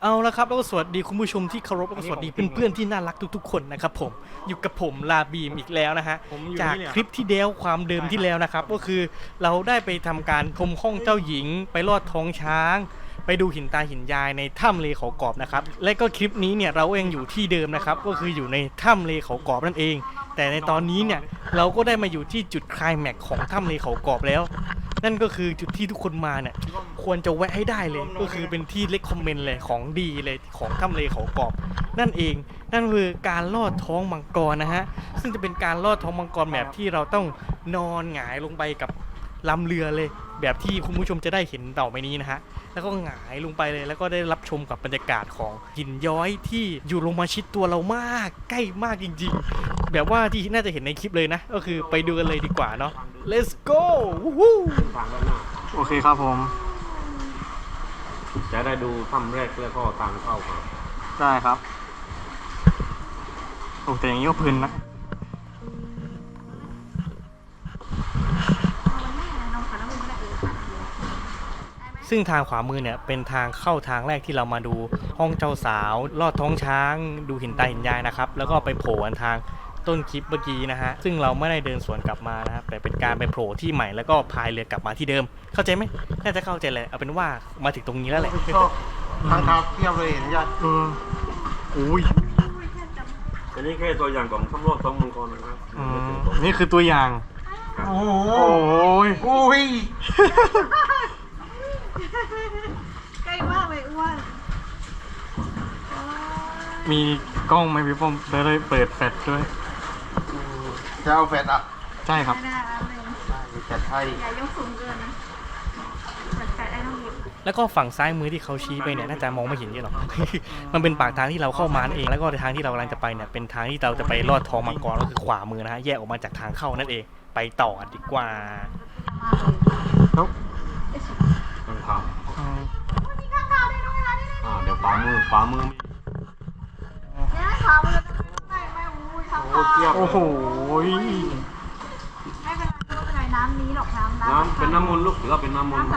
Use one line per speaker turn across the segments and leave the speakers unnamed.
เอาละครับแล้วก็สวัสดีคุณผู้ชมที่เคารพแล้วก็สวัสดีเพื่อนๆที่น่ารักทุกๆคนนะครับผมอยู่กับผมลาบีมอีกแล้วนะฮะจากคลิปที่แล้วความเดิมที่แล้วนะครับก็คือเราได้ไปทำการชมห้องเจ้าหญิงไปลอดท้องช้างไปดูหินตาหินยายในถ้ำเลเขากรอบนะครับและก็คลิปนี้เนี่ยเราเองอยู่ที่เดิมนะครับก็คืออยู่ในถ้ำเลเขากรอบนั่นเองแต่ในตอนนี้เนี่ยเราก็ได้มาอยู่ที่จุดไคลแม็กซ์ของถ้ำเลเขากรอบแล้วนั่นก็คือจุดที่ทุกคนมาเนี่ยควรจะแวะให้ได้เลยก็คือเป็นที่เลคคอมเมนต์เลยของดีเลยของถ้ำเลเขากรอบนั่นเองนั่นคือการลอดท้องมังกรนะฮะซึ่งจะเป็นการลอดท้องมังกรแบบที่เราต้องนอนหงายลงไปกับลำเรือเลยแบบที่คุณผู้ชมจะได้เห็นต่อไปนี้นะฮะแล้วก็หงายลงไปเลยแล้วก็ได้รับชมกับบรรยากาศของหินย้อยที่อยู่ลงมาชิดตัวเรามากใกล้มากจริงๆแบบว่าที่น่าจะเห็นในคลิปเลยนะก็คือไปดูกันเลยดีกว่าเนาะ let's go
โอเคครับผม
จะได้ดูถ้ำแรกแล้วก็ทางเข้าครับ
ได้ครับโอ้แต่อย่างนี้ก็เพลินนะ
ซึ่งทางขวามือเนี่ยเป็นทางเข้าทางแรกที่เรามาดูห้องเจ้าสาวลอดท้องช้างดูหินตาหินยายนะครับแล้วก็ไปโผล่ทางต้นคลิปเมื่อกี้นะฮะซึ่งเราไม่ได้เดินสวนกลับมานะครับแต่เป็นการไปโผล่ที่ใหม่แล้วก็พายเรือกลับมาที่เดิมเข้าใจไหมน่าจะเข้าใจเลยเอาเป็นว่ามาถึงตรงนี้แล้วแหละ
ชอบทางเท้าเทียบเลยเห็นยังอุ้ย
อันนี้แค่ตัวอย่างของถ้ำรอดท้องมังกรนะครับ
นี่คือตัวอย่างโอ้ยอุ้ย
ใกล้มากเลยอ้วน
มีกล้องไหมพี่ป้อมจะได้เปิดแฟลชด้วย
จะเอาแฟดอ่ะ
ใช่ครับ
ไม่ได้แล้วเลย
มีแฟดให้
อย่ายกสูงเกินนะเปิดแฟลชได้ต้องหยิบ
แล้วก็ฝั่งซ้ายมือที่เขาชี้ไปเนี่ยน่าจะมองไม่เห็นเยอะหรอก มันเป็นปากทางที่เราเข้ามานั่นเองแล้วก็ทางที่เรากำลังจะไปเนี่ยเป็นทางที่เราจะไปลอดท้องมังกรก็คือขวามือนะฮะแยกออกมาจากทางเข้านั่นเองไปต่อดีกว่า
แล้ว
ทางเข้า
มีข้างข่าวด้วยด้วยนะนี่
เดี๋ยวขวามือมี
เนี่ยขาวมือไม่อู้ข้างข่าว
เทียบ
โอ้โห
ไม่เป็นไรไม่เป็นไรน้ำนี้หรอกน้ำ
เป็นน้ำมนต์ลูกถือว่าเป็นน้ำมนต์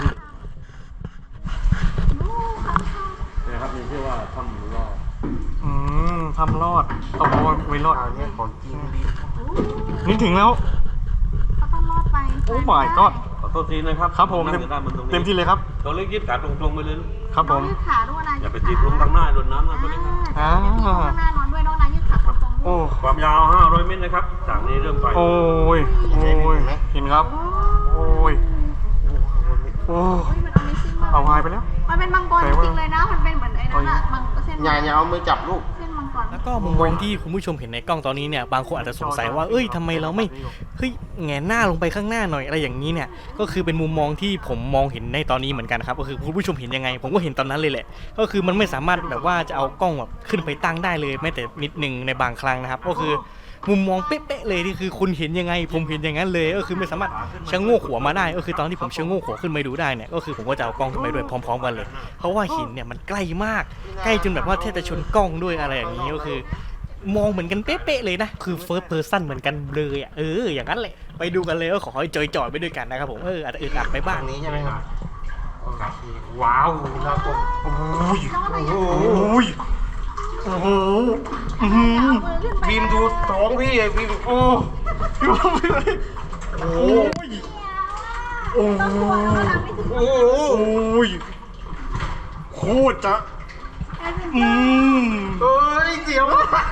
นู้ข้างข่าว
นะครับมีชื่อว่าถ้ำรอด
ทำรอดเอาไว้รอด
อันนี้ของจริงดี
นี่ถึงแล้ว
เขาต้องรอดไป
โอ้ my god
ขอโทษทีนะครับ
ครับผม
นั่งอยู่ด้านบนตรงนี้
เต็มที่เลยครับ
ตัวเล็กยืดขาตรงๆไปเลยลูก
ครับผม
ยืดขาด้วยนะ
อย่าไปติดลงทางหน้าโดนน้ำนะตัวเล็กนะ
อ่า
ข้างหน้านอนด้วยน้องนายยืดขาตรงๆ
โอ้
ความยาว500 เมตรนะครับจากนี้เริ่มไป
โอ้ยโอ้ยเห็นครับ โอ้ยโอ้
มัน Amazing มาก
เอาหายไปแล้ว
มันเป็นมังกรจริงๆเลยนะมันเป็นเหมือนไอ้นั่นอะมังเส้น
อย่าเอามือจับลูก
เส้นมังกร
แล้วก็มุมมองที่คุณผู้ชมเห็นในกล้องตอนนี้เนี่ยบางคนอาจจะสงสัยว่าเอ้ยทำไมเราไม่เฮ้ยแงนหน้าลงไปข้างหน้าหน่อยอะไรอย่างนี้เนี่ยก็คือเป็นมุมมองที่ผมมองเห็นในตอนนี้เหมือนกันครับก็คือคุณผู้ชมเห็นยังไงผมก็เห็นตอนนั้นเลยแหละก็คือมันไม่สามารถแบบว่าจะเอากล้องแบบขึ้นไปตั้งได้เลยแม้แต่นิดนึงในบางครั้งนะครับก็คือมุมมองเป๊ะๆเลยที่คือคุณเห็นยังไงผมเห็นอย่างนั้นเลยก็คือไม่สามารถชะโงกหัวมาได้ก็คือตอนที่ผมชะโงกหัวขึ้นไปดูได้เนี่ยก็คือผมก็จะเอากล้องขึ้นไปด้วยพร้อมๆกันเลยเพราะว่าหินเนี่ยมันใกล้มากใกล้จนแบบว่าแทบจะชนกล้องด้วยอะไรอย่างนี้ก็คือ มองเหมือนกันเป๊ะๆเลยนะคือ first person เหมือนกันเลยอ่ะอย่างนั้นแหละไปดูกันเลยก็ขอให้จอยๆไปด้วยกันนะครับผมอาจจะอึดอัดไปบ้าง
ทางนี้ใช่ไหมครับ
ว้าว
น่ากลัว
โอ้ย
น้องนาย
โอ้ยโอ้โหอื้อหือ
เอามือขึ้นไป
บีมดูท้องพี่ไอ้บีม
โอ้พี่ว่าพี่เลยโอ้ยโอ้
ต้องกลัวแล้วมันทำไม่ถึง
โอ้โห
โอ้ยโคตรจะอืม
เอ้ยเสียว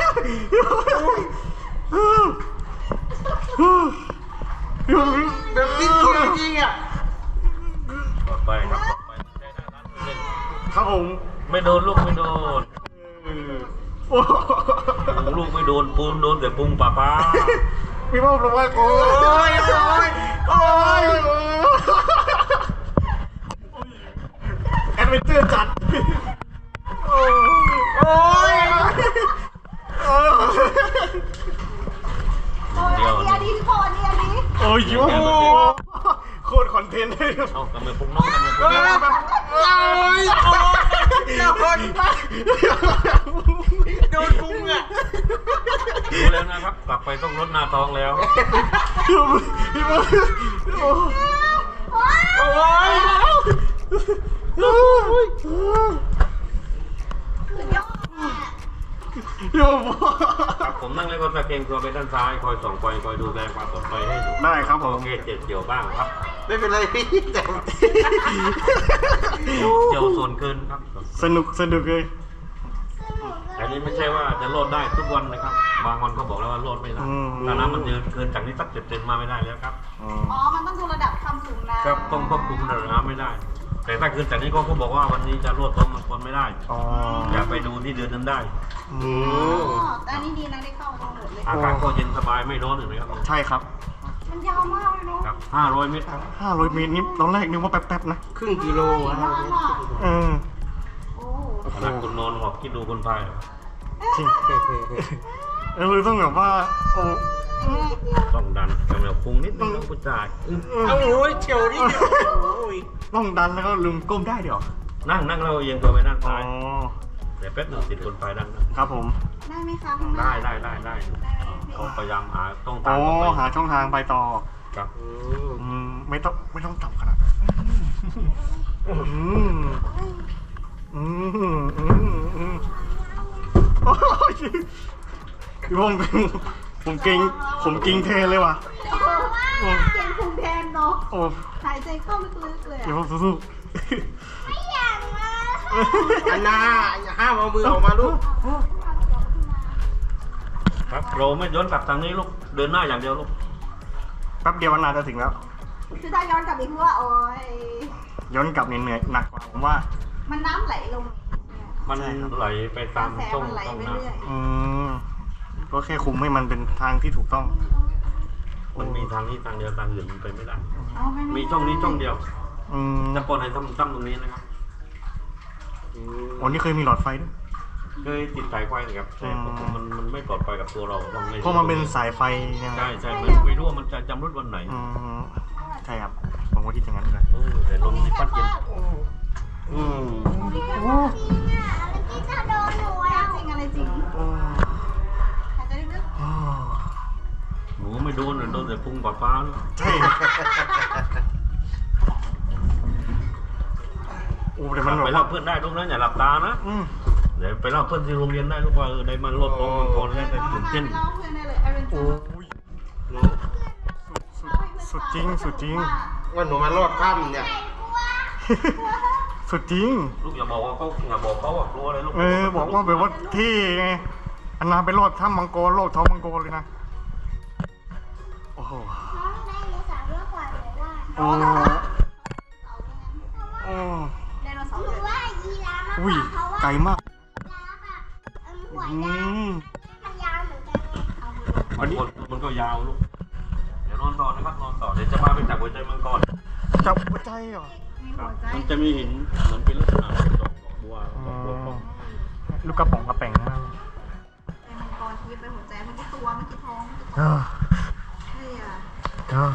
แบบนี้จริงอ่ะ
ต่อไปครับต่อไป
ครับผม
ไม่โดนลูกไม่โดน
โอ้
ลูกไม่โดนปูนโดนแต่พุงป้า
พี่พ่อบอกว่าโอ้ยโอ้ยโอ้ยแอดเวนเจอร์จัดโอ้ย
โอ้ยอันนี้โคตรอันนี้
โอ้ยโอ้โคตรคอนเทนต์เลย
เอากำมือพุงน้องกำมือพุง
โดนพุงอ่ะ
รู้แล้วนะครับ กลับไปต้องลดหน้าท้องแล้ว
พี่พ่อโอ้ยโยม
ครับผมนั่งแล้วก็ตะเกียงตัวไปด้านซ้ายคอยส่องไฟคอยดูแลความปลอดภัยให้อยู่
ได้ครับผม
โอเคเจ็บเกี่ยวบ้างครับ
ไม่เป็นไรพี่แต่
เกี่ยวส่วนเกินครับ
สนุกเลย
แต่นี้ไม่ใช่ว่าจะโลดได้ทุกวันนะครับ บางวันก็บอกแล้วว่าโลดไม่ได้ถ้าน้ำมันเกินจากนี้สัก10 เซนมาไม่ได้แล้วครับ
อ๋อ
อ๋อ มันต้องดูระดับความสูงน้ำ
ครับต้องควบคุมระดับน้ำไม่ได้ แต่ถ้าเกินจากนี้ก็บอกว่าวันนี้จะโลดต้มมันคนไม่ได้
อ๋อ
อย่าไปดูที่เดือนนั้นได้
อื
อ๋
ม
อแต่อันนี้ดีนะได้เข้าทั้งหมดเลย
อากาศก็เย็นสบายไม่ร้อนเลยครับ
ใช่ครับ
มันยาวมากเลยเนาะ
ครับ500 เมตรครับ
500 เมตรนี่ตอนแรกนึกว่าแป๊บๆนะ
ครึ่งกิโล
ยาว
อะ
มาก
เออ
โอ้
ขนาดคุณนอนหอบคิดดูคนพายเหรอ
จริงเลยต้องแบบว่าโอ้
ต้องดันกำลังพุงนิดนึงต้องผู้ชาย
เอาโอ้ยเฉียวนิดเดียวโอ้ย
ต้องดันแล้วก็ลืมก้มได้เดี๋ยว
นั่งเราเอียงตัวไปด้าน
อ๋อ
ซ้ายแต่แป๊บนึงติดคนพายด้านนั้น
ครับผม
ได้ไหมคะข้างหน้า
ได้
ได้ไหมพี่
ต้องพยายามหาต้อง
อ๋
ตา
อ
มต่อไป
หาช่องทางไปต่อ
ครับ
ไม่ต้องต่ำขนาดนั้นอืมอืมโอ้ยพี่พงศ์ผมเก่งเทเลยว่ะ
โอ้เก่งภูมิแทนเนาะ
โอ้
หายใจเข้าลึกๆเลย
เดี๋ยว
อะ
ผมสู้
ไม่อยากมา
อันนาห้ามเอามือออกมาลูก
ครับเราไม่ย้อนกลับทางนี้ลูกเดินหน้าอย่างเดียวลูก
แป๊บเดียววันนาจะถึงแล้ว
คือถ้าย้อนกลับอีกคือว่าโอ้ย
ย้อนกลับเหนื่อยหนักกว่าผมว่า
มันน้ำไหลลง
มันไหลไป
ก
ตา
ระ
ม
แส
ช่อง
มันไหล
ช่อง
ไป
น้
เรื่อย
อืมก็แค่คุมให้มันเป็นทางที่ถูกต้อง
ำมันมีทางนี้ทางเดียวทางอื่นมันไปไม่ได้
อ๋อไ
มีช่องนี้ช่องเดียว
อืม
จะปนให้ตั้มตรงนี้นะครับ
วันนี้เคยมีหลอดไฟด้วย
เคยติดสายไฟนะครับแต่มันไม่ปลอดภัยกับตัวเราต้อง
เพราะมันเป็นสายไฟนะ
ใช่ไม่รู้ว่ามันจะจำรุดวันไหน
อืมใช่ครับผมก็คิดอย่างนั้นเลย
แต่ลมนี่พัดเย็น
อืม
จริงอะไรจริงหายใจลึก
อ๋อ
หนูไม่โดนโดนแต่พุงปอดฟ้าลูก
ใช่โอ้แต่มันแบ
ไป
บ
เล่า
ว่า
เพื่อนได้ลูกนะอย่าหลับตานะ
อืม
เดี๋ยวไปเล่าเพื่อนที่โรงเรียนได้ลูกว่าได้มันลดลงมันคนแล้วแต่
ๆ
ตื่นเต้น
เล่าเพื่อนได้เลยเอเวนเจ
โอ้
อร์
ยสุดจริง
ว่าหนูมารอดถ้ำเนี่ย
สุดจริง
ลูกอย่าบอกว่าเขาว่ากลัวอะไรลูก
บอกว่าแบบว่าเท่ไงอันนาไปรอดถ้ำมังกรโลกท้องมังกรเลยนะโอ้โหโอ้โอ้
ไดโนเสาร์เลย
อุ้ยไกลมากอืม
มันก็ยาวลูกเดี๋ยวนอนต่อนะครับนอนต่อเดี๋ยวจะพาไปจับหัวใจมังกร
จับหัวใจเหรอ
มีหัวใจ
มันจะมีหินเหมือนเป็นลักษณะดอกบัว
อ๋อ
ดอกบัว
ลูกกระป๋องกระแป๋งนะ
เป็นมังกรชีวิตเป็นหัวใจเมื่อกี้ตัวเมื่อกี้ท้องเมื่อกี้
เออ
เฮ้ยอ่ะ
เออ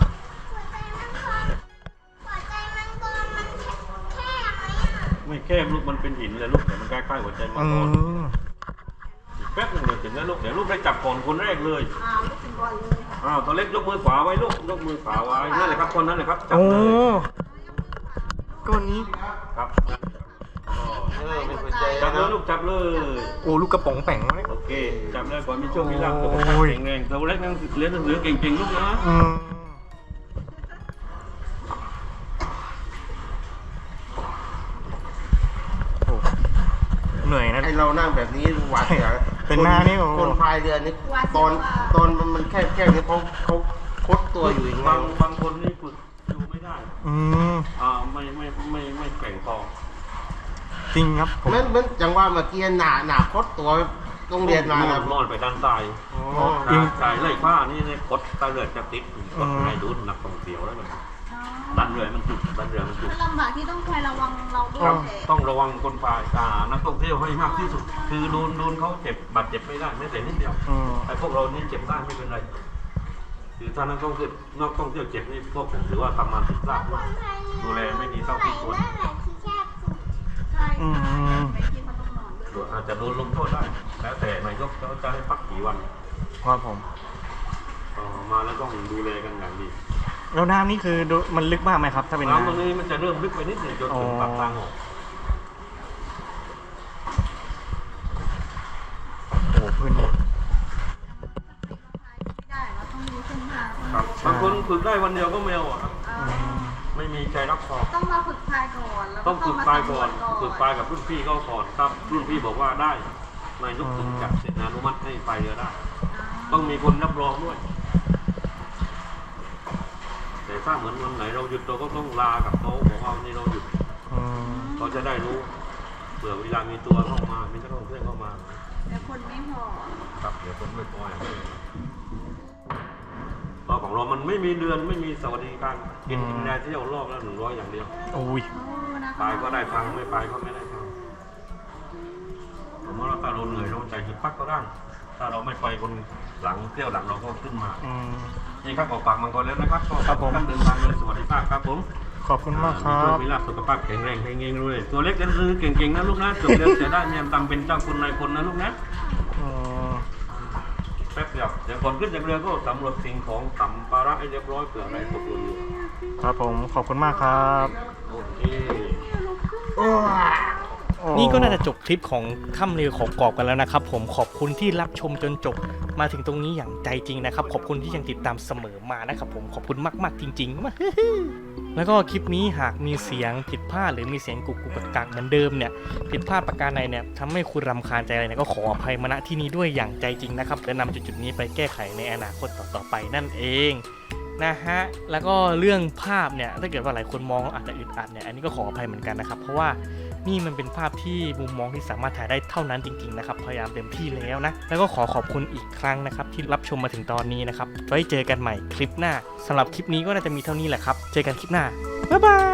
ไม่แคบลูกมันเป็นหินเลยลูกแต่มันใกล้ๆหัวใจมัง
อื
กร
ม
อีกแป๊บหนึงเดี๋ยวถึงแล้วลูกเดี๋ยวลูกได้จับก่อนคนแรกเลย
ลูกเป็นบอลเลยค่ะ
ตัวเล็กยกมือขวาไว้ลูกยกมือขวาไว้นั่นแหละครับคนนั้นแหละครับจับ
โอ้
เลย
ก้อนนี้
ครับ
เป็นหัวใจ
จับเลยลูกจับเลย
โอ้ลูกกระป๋องแป๋งเลย
โอเคจับเลยก่อนมีโชคมีลาภตัว
โอ้ย
แข็งแรงตัวเล็กนั่งเรียนหนังสือเก่งๆลูกนะ
อืมโอ้เหนื่อยนะ
ไอเรานั่งแบบนี้หวาดเสียว
เป็นหน้านี่โอ้
คนพายเรือนี่ตอนมันแคบๆนี่เขาคดตัวอยู่อย่างเงี้
บางคนนี่ฝึกอยู่ไม่ได้
อืม
ไม่แข็งพอ
จริงครับผม
มันจังว่าเมื่อกี้หนาคดตัวโรงเรียนมานะ
นอนไปด้านซ้าย
อ๋อ
จริง
สายไล่ผ้านี่เนี่ยกดตาเลือดจะติดกดให้ดูนักท่องเที่ยวแล้วมันดันเรือมันจุด
มันลำบากที่ต้องคอยระวังเราด้วย
ต้องระวังคนพายนักท่องเที่ยวให้มากที่สุด คือโดนเขาเจ็บบาดเจ็บไม่ได้แม้แต่นิดเดียว
อืม
ไอ้พวกเรานี่เจ็บได้ไม่เป็นไรคือถ้านักท่องเที่ยวเจ็บนี่พวกผมถือว่าทำงานผิดพลาดดูแลไม่ดีเท่าที่ควร
ใช่ไม่คิดว่าต้องนอนด้วย
อาจจะโดนลงโทษได้ แล้วแต่นายกเขาจะให้พักกี่วัน
ครับผม
มาแล้วต้องดูแลกันอย่างดี
แล้วน้ำนี่คือมันลึกมากไหมครับ ถ้าเป็น
น้ำตรง
น้ำ
นี้มันจะเริ่มลึกไปนิดหนึ่งจนถึงปากทางออก
โอ้พื้น
ครับบางคนฝึกได้วันเดียวก็ไม่เอาอะครับ ไม่มีใจรักสอบ
ต้องมาฝึกพายก่อนแล้ว
ต้องฝึกปลายก่อน
ฝึ
ฝึกปลายกับรุ่นพี่เขาก่อนครับรุ่นพี่บอกว่าได้นายกถึงจัดเสร็จอนุมัติให้ไปเรือได้ ต้องมีคนรับรองด้วย แต่ถ้าเหมือนวันไหนเราหยุดเราก็ต้องลากับเขาบอกว่าวันนี้เราหยุดเขาจะได้รู้เผื่อเวลามีตัวเข้ามามีนักท่องเที่ยวเข้ามา
แต่คนไม่พอ
ครับเดี๋ยวคนไม่พออย่างนี้รอบของเรามันไม่มีเดือนไม่มีสวัสดิการกินได้เที่ยวรอบละ100อย่างเดียว
โอ้ย
ไปก็ได้ตังค์ไม่ไปก็ไม่ได้ตังค์ผมว่าถ้าเราเหนื่อยเราใจหยุดพักก็ได้ถ้าเราไม่ไปคนหลังเที่ยวหลังเราก็ขึ้นมานี่ครับออกปากมังกรแล้วนะครับก็
ครับผม
ท่านเดินทางโดยสวัสดิภาพครับผม
ขอบคุณมากครั
โช
บ
มีลาภสุขภาพแข็งแรงแข็งเองด้วยตัวเล็กกันคือเก่งๆนะลูกนะจบเรียนเสียได้เมียตำเป็นเจ้าคุณนายคนนะลูกนะแป๊บเดียวเดี๋ยวก่อนขึ้นจากเรือก็สำรวจสิ่งของสัมภาระให้เรียบร้อยเผื่ออะไรตกหล่นอยู่
ครับผมขอบคุณมากครับ
โอเค
นี่ก็น่าจะจบคลิปของถ้ำเรือของกอบกันแล้วนะครับผมขอบคุณที่รับชมจนจบมาถึงตรงนี้อย่างใจจริงนะครับขอบคุณที่ยังติดตามเสมอมานะครับผมขอบคุณมากๆจริงๆ แล้วก็คลิปนี้หากมีเสียงผิดพลาดหรือมีเสียงกุกกุกกักเหมือนเดิมเนี่ยผิดพลาดประการใดเนี่ยทำให้คุณรำคาญใจอะไรเนี่ยก็ขออภัยมาณที่นี้ด้วยอย่างใจจริงนะครับและนำจุดๆนี้ไปแก้ไขในอนาคตต่อๆไปนั่นเองนะฮะแล้วก็เรื่องภาพเนี่ยถ้าเกิดว่าหลายคนมองอาจจะอึดอัดเนี่ยอันนี้ก็ขออภัยเหมือนกันนะครับเพราะว่านี่มันเป็นภาพที่มุมมองที่สามารถถ่ายได้เท่านั้นจริงๆนะครับพยายามเต็มที่แล้วนะแล้วก็ขอบคุณอีกครั้งนะครับที่รับชมมาถึงตอนนี้นะครับไว้เจอกันใหม่คลิปหน้าสำหรับคลิปนี้ก็น่าจะมีเท่านี้แหละครับเจอกันคลิปหน้าบ๊ายบาย